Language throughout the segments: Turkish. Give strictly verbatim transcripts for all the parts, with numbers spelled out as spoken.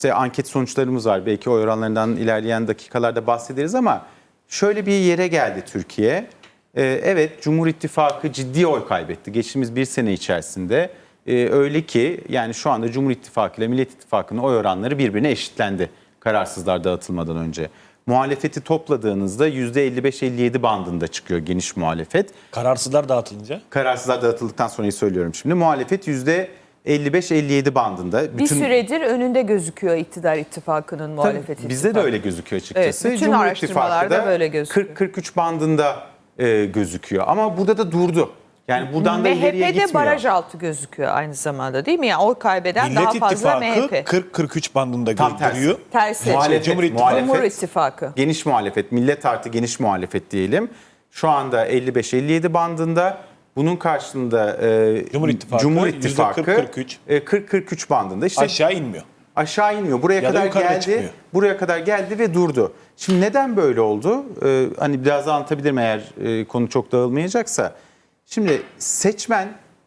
İşte anket sonuçlarımız var. Belki oy oranlarından ilerleyen dakikalarda bahsederiz ama şöyle bir yere geldi Türkiye. Ee, evet, Cumhur İttifakı ciddi oy kaybetti. Geçtiğimiz bir sene içerisinde. Ee, öyle ki yani şu anda Cumhur İttifakı ile Millet İttifakı'nın oy oranları birbirine eşitlendi. Kararsızlar dağıtılmadan önce. Muhalefeti topladığınızda yüzde elli beş elli yedi bandında çıkıyor geniş muhalefet. Kararsızlar dağıtılınca? Kararsızlar dağıtıldıktan sonrayı söylüyorum şimdi. Muhalefet yüzde elli beş elli yedi bandında. Bir süredir önünde gözüküyor iktidar ittifakının, muhalefet ittifakı. Bizde de öyle gözüküyor açıkçası. Evet, bütün Cumhur araştırmalarda İttifakı da böyle gözüküyor. kırk kırk üç bandında e, gözüküyor. Ama burada da durdu. Yani buradan da ileriye M H P'de gitmiyor. baraj altı gözüküyor aynı zamanda, değil mi? Yani oy kaybeden Millet daha fazla M H İttifakı P. kırk kırk üç bandında Tam tersi. görüyor. Tersi. Muhalefet, Cumhur İttifakı. muhalefet, Cumhur İttifakı. geniş muhalefet, millet artı geniş muhalefet diyelim. Şu anda elli beş elli yedi bandında. Bunun karşılığında e, Cumhur İttifakı, Cumhur yüzde İttifakı kırk kırk üç. e, kırk kırk üç bandında. İşte Aşağı inmiyor. aşağı inmiyor. Buraya Ya da kadar yukarıda geldi. çıkmıyor. Buraya kadar geldi ve durdu. Şimdi neden böyle oldu? Ee, hani biraz daha anlatabilirim eğer e, konu çok dağılmayacaksa. Şimdi seçmen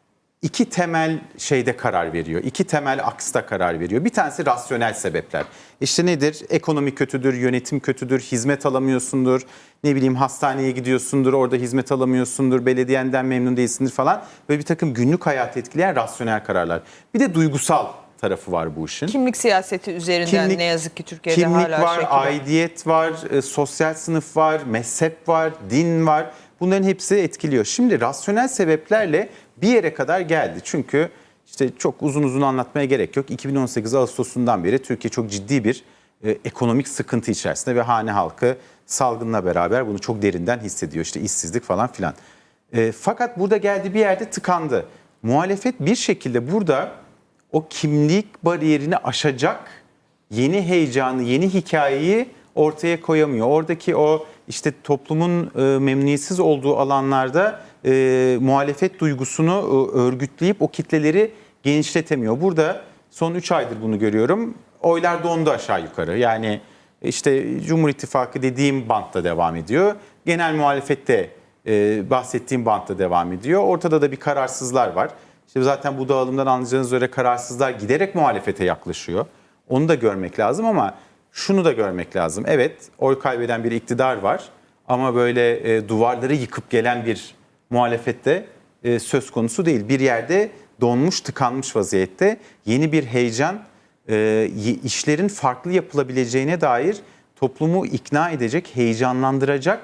iki temel şeyde karar veriyor. İki temel aksta karar veriyor. Bir tanesi rasyonel sebepler. İşte nedir? Ekonomi kötüdür, yönetim kötüdür, hizmet alamıyorsundur. Ne bileyim hastaneye gidiyorsundur, orada hizmet alamıyorsundur, belediyenden memnun değilsindir falan. Böyle bir takım günlük hayatı etkileyen rasyonel kararlar. Bir de duygusal tarafı var bu işin. Kimlik siyaseti üzerinden Kimlik- ne yazık ki Türkiye'de Kimlik hala var, şekil- aidiyet var, e, sosyal sınıf var, mezhep var, din var. Bunların hepsi etkiliyor. Şimdi rasyonel sebeplerle bir yere kadar geldi. Çünkü işte çok uzun uzun anlatmaya gerek yok. iki bin on sekiz Ağustos'undan beri Türkiye çok ciddi bir e, ekonomik sıkıntı içerisinde ve hane halkı salgınla beraber bunu çok derinden hissediyor. İşte işsizlik falan filan. E, fakat burada geldi bir yerde tıkandı. Muhalefet bir şekilde burada o kimlik bariyerini aşacak yeni heyecanı, yeni hikayeyi ortaya koyamıyor. Oradaki o işte toplumun e, memnuniyetsiz olduğu alanlarda e, muhalefet duygusunu e, örgütleyip o kitleleri genişletemiyor. Burada son üç aydır bunu görüyorum. Oylar dondu aşağı yukarı. Yani işte Cumhur İttifakı dediğim bantta devam ediyor. Genel muhalefette e, bahsettiğim bantta devam ediyor. Ortada da bir kararsızlar var. İşte zaten bu dağılımdan anlayacağınız üzere kararsızlar giderek muhalefete yaklaşıyor. Onu da görmek lazım ama şunu da görmek lazım. Evet, oy kaybeden bir iktidar var ama böyle e, duvarları yıkıp gelen bir muhalefette e, söz konusu değil. Bir yerde donmuş, tıkanmış vaziyette yeni bir heyecan, e, işlerin farklı yapılabileceğine dair toplumu ikna edecek, heyecanlandıracak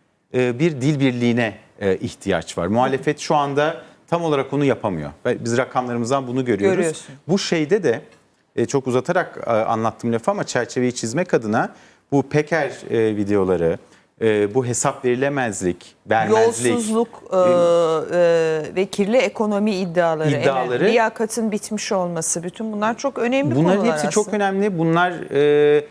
e, bir dil birliğine e, ihtiyaç var. Muhalefet şu anda tam olarak onu yapamıyor. Biz rakamlarımızdan bunu görüyoruz. Görüyorsun. Bu şeyde de e, çok uzatarak e, anlattım lafı ama çerçeveyi çizmek adına bu Peker e, videoları, e, bu hesap verilemezlik, vermezlik, Yolsuzluk e, e, ve kirli ekonomi iddiaları, İddiaları- evet, liyakatın bitmiş olması, bütün bunlar çok önemli bunların konular hepsi aslında. çok önemli. Bunlar e,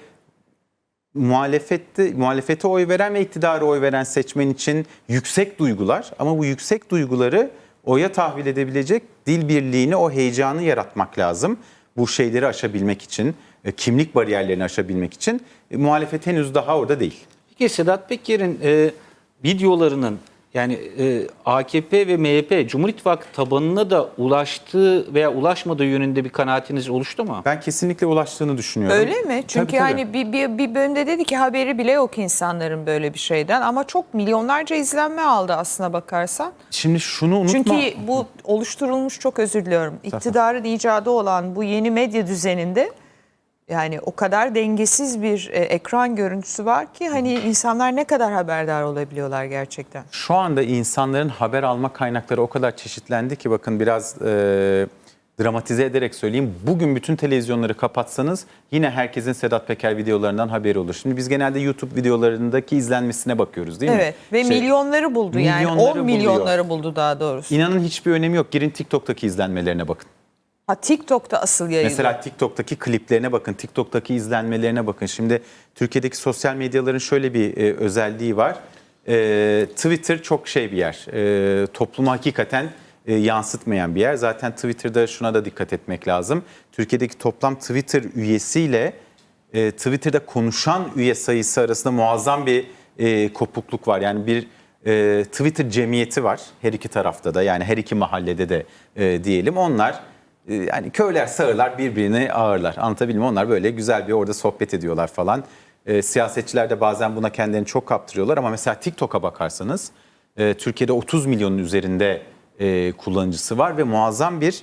muhalefette muhalefete oy veren ve iktidara oy veren seçmen için yüksek duygular ama bu yüksek duyguları oya tahvil edebilecek dil birliğini, o heyecanı yaratmak lazım. Bu şeyleri aşabilmek için, e, kimlik bariyerlerini aşabilmek için e, muhalefet henüz daha orada değil. Peki Sedat Peker'in e, videolarının yani e, A K P ve M H P Cumhur İttifakı tabanına da ulaştığı veya ulaşmadığı yönünde bir kanaatiniz oluştu mu? Ben kesinlikle ulaştığını düşünüyorum. Öyle mi? Çünkü Tabii, tabii. hani bir, bir, bir bölümde dedi ki haberi bile yok insanların böyle bir şeyden ama çok milyonlarca izlenme aldı aslına bakarsan. Şimdi şunu unutma. Çünkü bu oluşturulmuş, çok özür diliyorum, iktidarın icadı olan bu yeni medya düzeninde yani o kadar dengesiz bir e, ekran görüntüsü var ki hani insanlar ne kadar haberdar olabiliyorlar gerçekten. Şu anda insanların haber alma kaynakları o kadar çeşitlendi ki bakın biraz e, dramatize ederek söyleyeyim. Bugün bütün televizyonları kapatsanız yine herkesin Sedat Peker videolarından haberi olur. Şimdi biz genelde YouTube videolarındaki izlenmesine bakıyoruz değil mi? Evet ve Şey, milyonları buldu yani milyonları on milyonları buldu daha doğrusu. İnanın hiçbir önemi yok. Girin TikTok'taki izlenmelerine bakın. Ha, TikTok'ta asıl yayıldı. Mesela TikTok'taki kliplerine bakın, TikTok'taki izlenmelerine bakın. Şimdi Türkiye'deki sosyal medyaların şöyle bir e, özelliği var. E, Twitter çok şey bir yer, e, toplumu hakikaten e, yansıtmayan bir yer. Zaten Twitter'da şuna da dikkat etmek lazım. Türkiye'deki toplam Twitter üyesiyle e, Twitter'da konuşan üye sayısı arasında muazzam bir e, kopukluk var. Yani bir e, Twitter cemiyeti var her iki tarafta da, yani her iki mahallede de e, diyelim. Onlar e, yani köyler sağırlar birbirini ağırlar. Anlatabildim mi? Onlar böyle güzel bir orada sohbet ediyorlar falan. E, siyasetçiler de bazen buna kendilerini çok kaptırıyorlar ama mesela TikTok'a bakarsanız e, Türkiye'de otuz milyonun üzerinde e, kullanıcısı var ve muazzam bir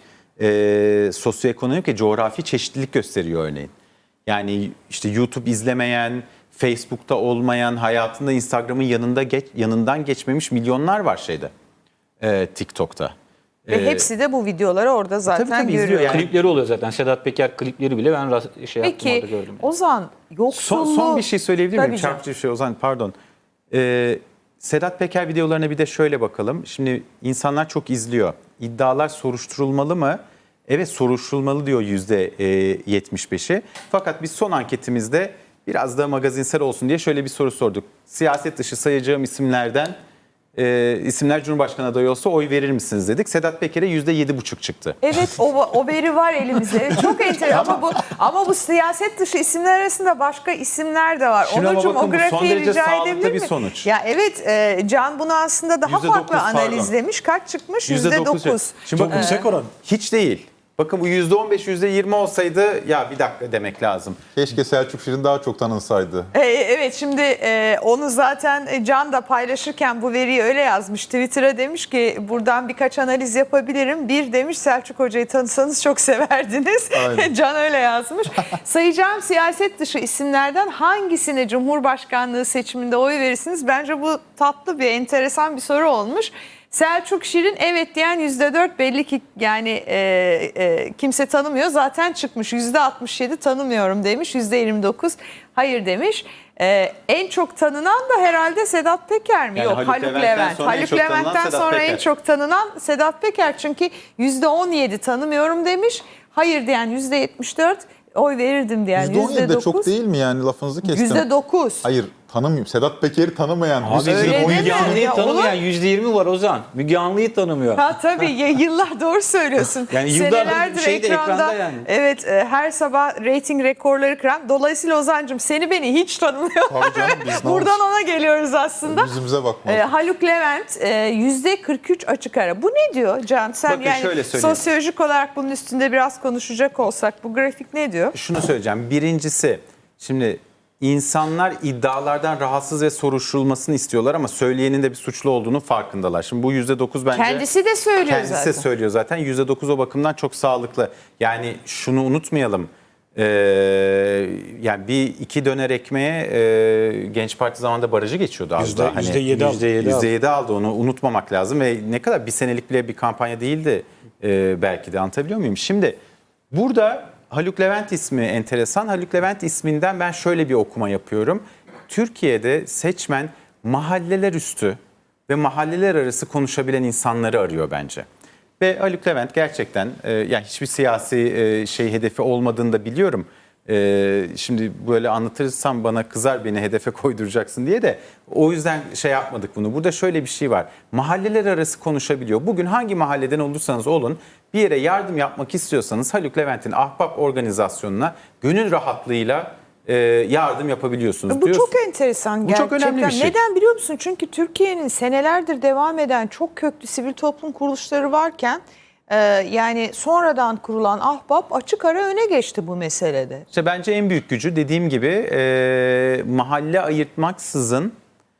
e, sosyoekonomik ve coğrafi çeşitlilik gösteriyor örneğin. Yani işte YouTube izlemeyen, Facebook'ta olmayan, hayatında Instagram'ın yanında geç, yanından geçmemiş milyonlar var şeyde e, TikTok'ta. Ve E, hepsi de bu videoları orada zaten tabii izliyor görüyor. yani. Klipleri oluyor zaten. Sedat Peker klipleri bile ben rast- şey yaptım orada Peki gördüm. Yani. Ozan Son, yoksulluğu... son bir şey söyleyebilir miyim? Tabii canım. Çarpıcı bir şey Ozan pardon. Ee, Sedat Peker videolarına bir de şöyle bakalım. Şimdi insanlar çok izliyor. İddialar soruşturulmalı mı? Evet soruşturulmalı diyor yüzde yetmiş beşi. Fakat biz son anketimizde biraz da magazinsel olsun diye şöyle bir soru sorduk. Siyaset dışı sayacağım isimlerden e, isimler Cumhurbaşkanı adayı olsa oy verir misiniz dedik. Sedat Peker'e yüzde yedi buçuk çıktı. Evet o, o veri var elimizde. Evet, çok enteresan ama bu ama bu siyaset dışı isimler arasında başka isimler de var. Şimdi ama Onurcuğum bakın o bu son grafiği derece rica sağlıklı edebilir bir mi? sonuç. Ya evet e, Can bunu aslında daha yüzde dokuz, farklı pardon. analizlemiş. Kaç çıkmış? Yüzde yüzde dokuz. dokuz. Şimdi Çok bakın, yüksek oran. hiç değil. Bakın bu yüzde on beş, yüzde yirmi olsaydı ya bir dakika demek lazım. Keşke Selçuk Şirin daha çok tanınsaydı. E, evet şimdi e, onu zaten e, Can da paylaşırken bu veriyi öyle yazmış. Twitter'a demiş ki buradan birkaç analiz yapabilirim. Bir demiş Selçuk Hoca'yı tanısanız çok severdiniz. Aynen. Can öyle yazmış. Sayacağım siyaset dışı isimlerden hangisine Cumhurbaşkanlığı seçiminde oy verirsiniz? Bence bu tatlı bir enteresan bir soru olmuş. Selçuk Şirin evet diyen yüzde dört belli ki yani e, e, kimse tanımıyor zaten çıkmış. yüzde altmış yedi tanımıyorum demiş, yüzde yirmi dokuz hayır demiş. E, en çok tanınan da herhalde Sedat Peker mi? Yani Yok Haluk Haluk Levent'ten Levent. sonra en Haluk çok tanınan Levent'ten Sedat sonra Peker. en çok tanınan Sedat Peker çünkü yüzde on yedi tanımıyorum demiş. Hayır diyen yüzde yetmiş dört, oy verirdim diyen yüzde on yedi yüzde de çok dokuz. değil mi yani lafınızı kestim. yüzde dokuz. Hayır tanımıyorum. Sedat Peker'i tanımayan. Abi yüzde öyle on deme. yedi Müge Anlı'yı Ya tanımayan yüzde yirmi var Ozan. Müge Anlı'yı tanımıyor. Ha tabii ya, yıllar doğru söylüyorsun. Yani yıllardır Senelerdir şeyde, ekranda, ekranda yani. evet e, her sabah reyting rekorları kıran. Dolayısıyla Ozan'cığım seni beni hiç tanımıyor. Tabii canım, biz ne Buradan olsun? ona geliyoruz aslında. Yüzümüze bakmaz. E, Haluk Levent e, yüzde kırk üç açık ara. Bu ne diyor Can? Sen Bakın yani şöyle söyleyeyim. sosyolojik olarak bunun üstünde biraz konuşacak olsak bu grafik ne diyor? Şunu söyleyeceğim. Birincisi şimdi insanlar iddialardan rahatsız ve soruşturulmasını istiyorlar ama söyleyenin de bir suçlu olduğunu farkındalar. Şimdi bu yüzde dokuz bence... Kendisi de söylüyor Kendisi zaten. de söylüyor zaten. yüzde dokuz o bakımdan çok sağlıklı. Yani şunu unutmayalım. Ee, yani bir iki döner ekmeğe e, Genç Parti zamanında barajı geçiyordu az Yüzde- daha. Hani yüzde yedi aldı. yüzde yedi yüzde yedi aldı onu unutmamak lazım ve ne kadar bir senelik bile bir kampanya değildi e, belki de anlatabiliyor muyum? Şimdi burada Haluk Levent ismi enteresan. Haluk Levent isminden ben şöyle bir okuma yapıyorum. Türkiye'de seçmen mahalleler üstü ve mahalleler arası konuşabilen insanları arıyor bence. Ve Haluk Levent gerçekten e, yani hiçbir siyasi e, şey hedefi olmadığını da biliyorum. E, şimdi böyle anlatırsam bana kızar beni hedefe koyduracaksın diye de o yüzden şey yapmadık bunu. Burada şöyle bir şey var. Mahalleler arası konuşabiliyor. Bugün hangi mahalleden olursanız olun bir yere yardım yapmak istiyorsanız Haluk Levent'in Ahbap organizasyonuna gönül rahatlığıyla e, yardım yapabiliyorsunuz. Bu Diyorsun- çok enteresan Bu gerçekten. çok önemli bir şey. Neden biliyor musun? Çünkü Türkiye'nin senelerdir devam eden çok köklü sivil toplum kuruluşları varken e, yani sonradan kurulan Ahbap açık ara öne geçti bu meselede. İşte bence en büyük gücü dediğim gibi e, mahalle ayırtmaksızın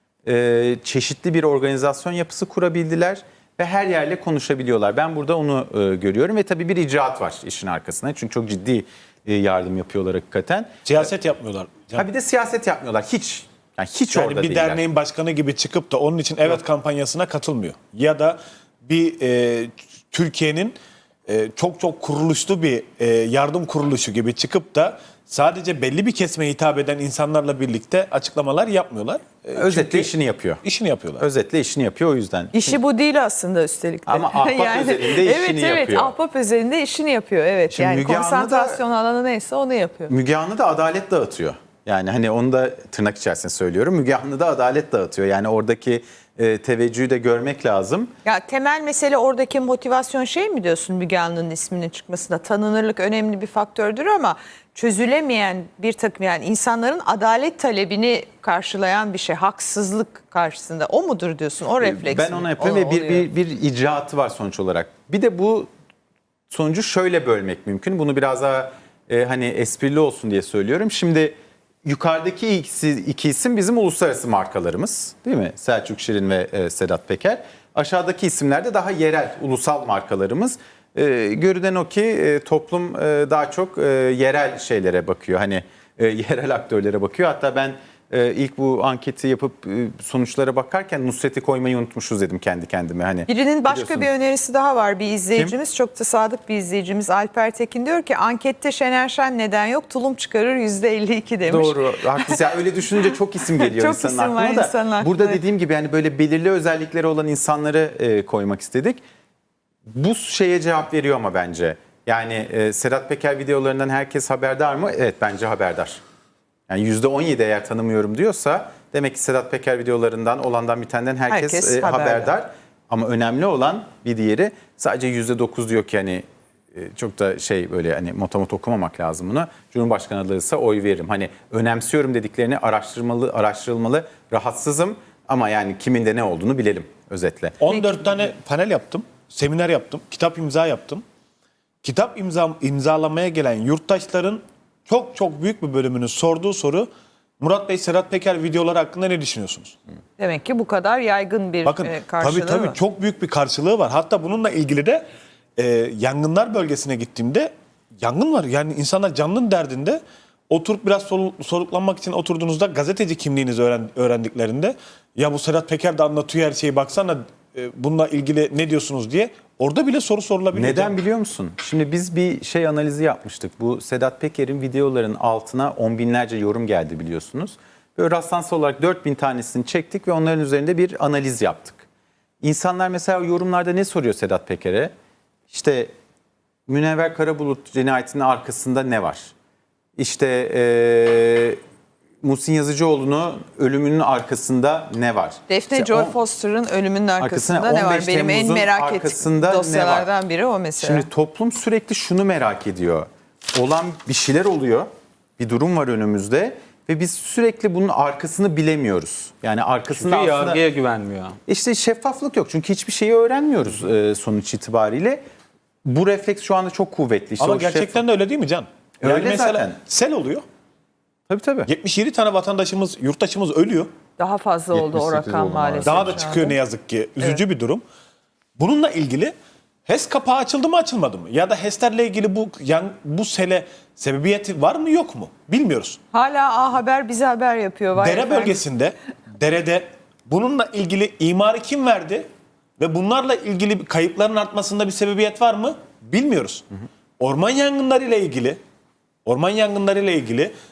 e, çeşitli bir organizasyon yapısı kurabildiler ve her yerle konuşabiliyorlar. Ben burada onu e, görüyorum ve tabii bir icraat var işin arkasında. Çünkü çok ciddi e, yardım yapıyorlar hakikaten. Siyaset yapmıyorlar. Ha bir de siyaset yapmıyorlar hiç. Yani hiç Yani orada bir değiller. derneğin başkanı gibi çıkıp da onun için evet kampanyasına katılmıyor. Ya da bir e, Türkiye'nin e, çok çok kuruluşlu bir e, yardım kuruluşu gibi çıkıp da sadece belli bir kesime hitap eden insanlarla birlikte açıklamalar yapmıyorlar. E, Özetle çünkü işini yapıyor. işini yapıyorlar. Özetle işini yapıyor o yüzden. İşi bu değil aslında üstelik de. Ama Ahbap özelinde evet, işini evet, yapıyor. Ahbap özelinde işini yapıyor. Evet. Şimdi yani Müge Anlı da- konsantrasyon alanı neyse onu yapıyor. Müge Anlı da adalet dağıtıyor. Yani hani onu da tırnak içerisinde söylüyorum. Müge Anlı da adalet dağıtıyor. Yani oradaki e, teveccühü de görmek lazım. Ya temel mesele oradaki motivasyon şey mi diyorsun Müge Anlı'nın isminin çıkmasında? Tanınırlık önemli bir faktördür ama çözülemeyen bir takım yani insanların adalet talebini karşılayan bir şey. Haksızlık karşısında o mudur diyorsun? O refleks Ben mi? ona yapıyorum O- ve bir, oluyor. bir, bir icraatı var sonuç olarak. Bir de bu sonucu şöyle bölmek mümkün. Bunu biraz daha e, hani esprili olsun diye söylüyorum. Şimdi yukarıdaki ikisi, iki isim bizim uluslararası markalarımız, değil mi? Selçuk Şirin ve e, Sedat Peker. Aşağıdaki isimler de daha yerel, ulusal markalarımız. E, görünen o ki e, toplum e, daha çok e, yerel şeylere bakıyor. Hani e, yerel aktörlere bakıyor. Hatta ben e, ilk bu anketi yapıp e, sonuçlara bakarken Nusret'i koymayı unutmuşuz dedim kendi kendime. Hani Birinin başka biliyorsun. bir önerisi daha var. Bir izleyicimiz, çok da sadık bir izleyicimiz Alper Tekin diyor ki ankette Şener Şen neden yok? Tulum çıkarır yüzde elli iki demiş. Doğru, haklısın. Yani öyle düşününce çok isim geliyor Çok insanın isim var aklına da. insanın aklına. Burada dediğim gibi yani böyle belirli özellikleri olan insanları e, koymak istedik. Bu şeye cevap veriyor ama bence. Yani e, Sedat Peker videolarından herkes haberdar mı? Evet, bence haberdar. Yani yüzde on yedi eğer tanımıyorum diyorsa demek ki Sedat Peker videolarından olandan bitenden herkes, Herkes e, haberdar. haberdar. Ama önemli olan bir diğeri sadece yüzde dokuz diyor ki hani e, çok da şey böyle hani motomot okumamak lazım bunu. Cumhurbaşkanı adayıysa oy veririm. Hani önemsiyorum dediklerini araştırmalı, araştırılmalı. Rahatsızım ama yani kimin de ne olduğunu bilelim özetle. on dört tane panel yaptım, seminer yaptım, kitap imza yaptım. Kitap imza, imzalamaya gelen yurttaşların çok çok büyük bir bölümünün sorduğu soru, Murat Bey, Sedat Peker videoları hakkında ne düşünüyorsunuz? Demek ki bu kadar yaygın bir Bakın e, karşılığı tabii tabii var. çok büyük bir karşılığı var. Hatta bununla ilgili de e, yangınlar bölgesine gittiğimde yangın var. Yani insanlar canının derdinde, oturup biraz sol, soluklanmak için oturduğunuzda gazeteci kimliğinizi öğren, öğrendiklerinde ya bu Sedat Peker de anlatıyor her şeyi, baksana e, bununla ilgili ne diyorsunuz diye orada bile soru sorulabiliyor. Neden biliyor musun? Şimdi biz bir şey analizi yapmıştık. Bu Sedat Peker'in videoların altına on binlerce yorum geldi biliyorsunuz. Böyle rastlansal olarak dört bin tanesini çektik ve onların üzerinde bir analiz yaptık. İnsanlar mesela yorumlarda ne soruyor Sedat Peker'e? İşte Münevver Karabulut cinayetinin arkasında ne var? İşte eee Muhsin Yazıcıoğlu'nun ölümünün arkasında ne var? Defne İşte Joy on- Foster'ın ölümünün arkasında, arkasında ne var? on beş Benim en Temmuz'un merak arkasında ettiğim ne var? dosyalardan biri o mesela. Şimdi toplum sürekli şunu merak ediyor. Olan bir şeyler oluyor. Bir durum var önümüzde ve biz sürekli bunun arkasını bilemiyoruz. Yani arkasında Çünkü aslında yargıya güvenmiyor. işte şeffaflık yok. Çünkü hiçbir şeyi öğrenmiyoruz e, sonuç itibariyle. Bu refleks şu anda çok kuvvetli. İşte Ama o gerçekten de öyle değil mi Can? Yani Öyle mesela zaten. sel oluyor. Tabii tabii. yetmiş yedi tane vatandaşımız, yurttaşımız ölüyor. Daha fazla oldu o yetmiş sekiz rakam oldu maalesef. Daha da şu çıkıyor anda. ne yazık ki. Üzücü bir durum. Bununla ilgili HES kapağı açıldı mı açılmadı mı? Ya da HES'lerle ilgili bu yan, bu sele sebebiyeti var mı yok mu? Bilmiyoruz. Hala A Haber bize haber yapıyor. Vay Dere efendim. bölgesinde, derede bununla ilgili imarı kim verdi? Ve bunlarla ilgili kayıpların artmasında bir sebebiyet var mı? Bilmiyoruz. Orman yangınları ile ilgili, orman yangınları ile ilgili